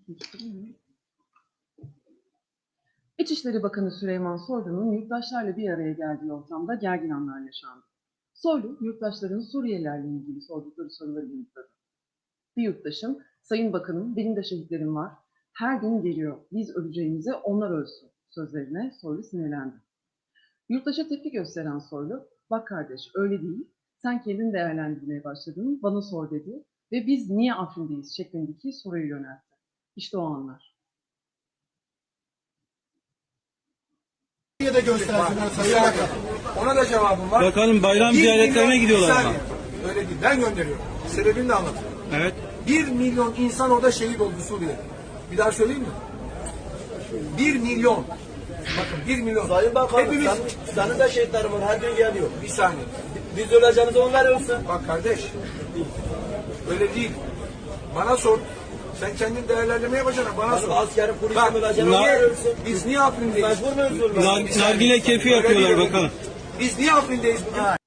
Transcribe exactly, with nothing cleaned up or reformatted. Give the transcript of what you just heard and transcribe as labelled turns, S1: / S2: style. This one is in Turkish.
S1: İçişleri Bakanı Süleyman Soylu'nun yurttaşlarla bir araya geldiği ortamda gergin anlar yaşandı. Soylu, yurttaşların Suriyelilerle ilgili sordukları soruları yanıtladı. Bir yurttaşım, "Sayın Bakanım, benim de şehitlerim var. Her gün geliyor. Biz öleceğimize onlar ölsün" sözlerine Soylu sinirlendi. Yurttaşa tepki gösteren Soylu, "Bak kardeş, öyle değil. Sen kendin değerlendirmeye başladın, bana sor" dedi ve "Biz niye Afrin'deyiz?" şeklindeki soruyu yöneltti. İşte o anlar.
S2: de göstersinler Sayın Bakan. Ona da cevabım var.
S3: Bakalım bayram
S2: Bir
S3: ziyaretlerine
S2: milyon-
S3: gidiyorlar
S2: bir
S3: ama.
S2: saniye. Öyle değil. Ben gönderiyorum. Sebebini de anlatıyorum.
S3: Evet.
S2: Bir milyon insan orada şehit oldu Suriye'de. Bir daha söyleyeyim mi? Bir milyon. Bakın bir milyon.
S4: Sayın Bakanım,
S2: Hepimiz...
S4: sen, senin de şehitlerin var, her gün geliyor.
S2: Bir saniye.
S4: Biz öleceğimize onlar ölsün.
S2: Bak kardeş. Öyle değil. Bana sor. Sen kendin değerlendirme yapacaksın. Bana
S4: Benim
S2: sor.
S4: askerim, polisim
S2: Bak,
S4: öleceğim,
S3: bunlar-
S4: onlar ölsün.
S2: Biz niye Afrin'deyiz?
S4: Mecbur muyuz ölmeye?
S3: Nar- nargile keyfi
S2: Öyle
S3: yapıyorlar
S2: değil, öyle
S3: bakalım.
S2: değil. Biz niye Afrin'deyiz bugün?